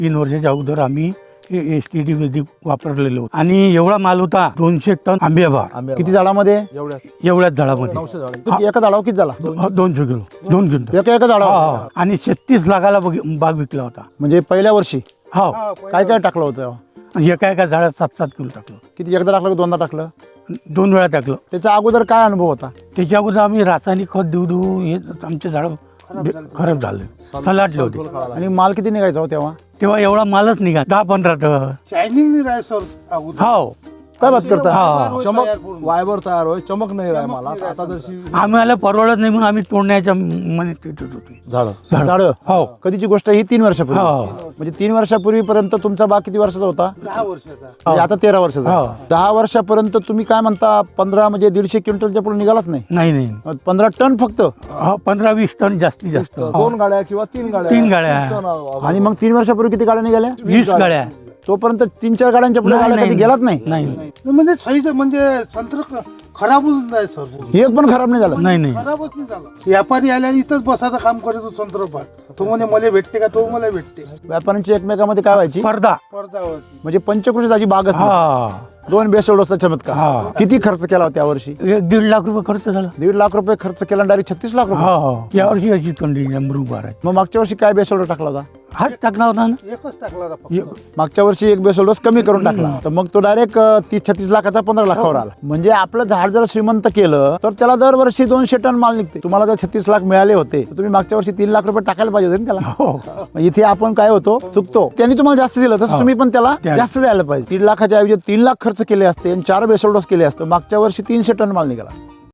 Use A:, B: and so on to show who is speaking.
A: 3 वर्षाच्या अगोदर आम्ही STD वैदिक वापरलेलो आणि एवढा माल होता 200 टन आंबेबा.
B: किती झाडामध्ये?
A: एवढ्याच झाडामध्ये
B: एका झाडावर किती झाला?
A: 200 किलो 2 क्विंटल
B: एका झाडावर.
A: आणि 36 लाखाला बाग विकला होता.
B: म्हणजे पहिल्या वर्षी
A: हो.
B: काय काय टाकलं होतं?
A: एका झाडात 7-7 किलो टाकलं.
B: किती, एकदा टाकलं की दोनदा टाकलं?
A: 2 वेळा टाकलं.
B: त्याच्या अगोदर काय अनुभव होता?
A: त्याच्या अगोदर आम्ही रासायनिक खत देऊ हे आमचे झाड खराब झाले, सलाटले होते.
B: आणि माल किती निघायचा हो तेव्हा?
A: तेव्हा एवढा मालच निघा 10-15 टन.
C: शायनिंग नाही राय सर.
A: हो.
B: काय बात करता?
D: चमक वायबर तयार होय, चमक नाही राय मला आता जशी
A: आम्हाला परवडत नाही म्हणून आम्ही तोडण्याच्या मध्ये तिथेच होतो.
B: झाड.
A: हो.
B: कधीची गोष्ट ही 3 वर्षापूर्वी.
A: हो.
B: म्हणजे 3 वर्षापूर्वीपर्यंत तुमचा बाग किती वर्षाचा होता?
C: 10 वर्षाचा.
B: म्हणजे आता 13 वर्षाचा.
A: हो.
B: 10 वर्षापर्यंत तुम्ही काय म्हणता 15 म्हणजे 150 क्विंटलच्या पुढे निघालाच नाही?
A: नाही
B: 15 टन फक्त.
A: 15-20 टन जास्तीत जास्त.
D: 2 गाड्या किंवा 3 गाड्या.
A: 3 गाड्या.
B: आणि मग 3 वर्षापूर्वी किती गाड्या निघाल्या?
A: 20 गाड्या.
B: तोपर्यंत 3-4 गाड्यांच्या पुढे गाड्या कधी गेलाच नाही?
A: नाही
C: म्हणजे सहीच म्हणजे संत्र खराबच नाही सर.
B: एक पण खराब नाही झालं?
A: नाही
C: खराबच नाही झाला. व्यापारी आल्याने इथंच बसायचं काम करतो संत्र पाक. तो म्हणे मला भेटते का, तो मला भेटते.
B: व्यापाऱ्यांची एकमेकांमध्ये काय व्हायची?
A: स्पर्धा.
C: पडद्यावरती
B: म्हणजे पंचकृषीची बागच नाही.
A: हा.
B: 2 बेसोड डोसचा चमत्कार.
A: हा.
B: किती खर्च केला होता त्यावर्षी?
A: 1-1.5 लाख रुपये खर्च झाला.
B: 1.5 लाख रुपये खर्च केला, डायरेक्ट 36 लाख रुपये.
A: हो. यावर्षी अशी कंडिशन बरोबर आहे.
B: मग मागच्या वर्षी काय बेसोड टाकला होता?
A: हाच टाकला होता ना.
C: एकच टाकला होता फक्त.
B: मागच्या वर्षी 1 बेसोड डोस कमी करून टाकला, तर मग तो डायरेक्ट 30-36 लाखाचा 15 लाखावर आला. म्हणजे आपलं झाड जर श्रीमंत केलं तर त्याला दरवर्षी 200 टन माल निघते. तुम्हाला जर 36 लाख मिळाले होते तर तुम्ही मागच्या वर्षी 3 लाख रुपये टाकायला पाहिजे होते ना त्याला.
A: हो.
B: मग इथे आपण काय होतो, चुकतो. त्यांनी तुम्हाला जास्त दिलं तसं तुम्ही पण त्याला जास्त द्यायला पाहिजे. 3 लाखाच्या ऐवजी 3 लाख खर्च केले असते आणि 4 बेसोड डोस केले असते, मागच्या वर्षी 300 टन माल निघाला असता.